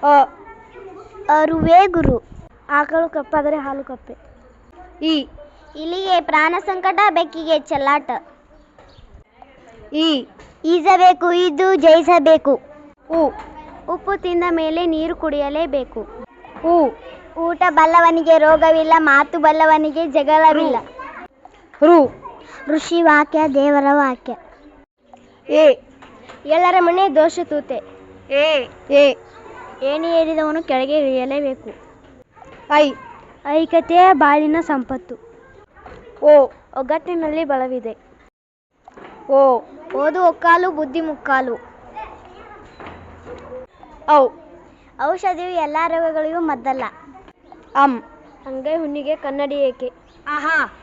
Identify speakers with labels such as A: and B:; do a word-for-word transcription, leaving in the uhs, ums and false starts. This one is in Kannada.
A: ಅ
B: ಅರುವೆ ಗುರು.
A: ಆಕಳು ಕಪ್ಪಾದರೆ ಹಾಲು ಕಪ್ಪೆ. ಇ
B: ಇಲಿಗೆ ಪ್ರಾಣ ಸಂಕಟ, ಬೆಕ್ಕಿಗೆ ಚೆಲ್ಲಾಟ.
A: ಈ
B: ಈಜಬೇಕು, ಈದು ಜಯಿಸಬೇಕು.
A: ಉ
B: ಉಪ್ಪು ತಿಂದ ಮೇಲೆ ನೀರು ಕುಡಿಯಲೇಬೇಕು.
A: ಉ
B: ಊಟ ಬಲ್ಲವನಿಗೆ ರೋಗವಿಲ್ಲ, ಮಾತು ಬಲ್ಲವನಿಗೆ ಜಗಳವಿಲ್ಲ.
A: ರು
B: ಋಷಿ ವಾಕ್ಯ, ದೇವರ ವಾಕ್ಯ.
A: ಎ
B: ಎಲ್ಲರ ಮನೆ ದೋಷ ತೂತೆ.
A: ಎ ಎ
B: ಏಣಿ ಏರಿದವನು ಕೆಳಗೆ ಇಳಿಯಲೇಬೇಕು.
A: ಐ
B: ಐಕ್ಯತೆಯ ಬಾಳಿನ ಸಂಪತ್ತು.
A: ಓ
B: ಒಗ್ಗಟ್ಟಿನಲ್ಲಿ ಬಲವಿದೆ.
A: ಓ
B: ಓದು ಒಕ್ಕಾಲು, ಬುದ್ಧಿ ಮುಕ್ಕಾಲು.
A: ಔ
B: ಔಷಧಿಯು ಎಲ್ಲ ರೋಗಗಳಿಗೂ ಮದ್ದಲ್ಲ.
A: ಅಂ
B: ಅಂಗೈ ಹುಣ್ಣಿಗೆ ಕನ್ನಡಿ ಏಕೆ.
A: ಆಹಾ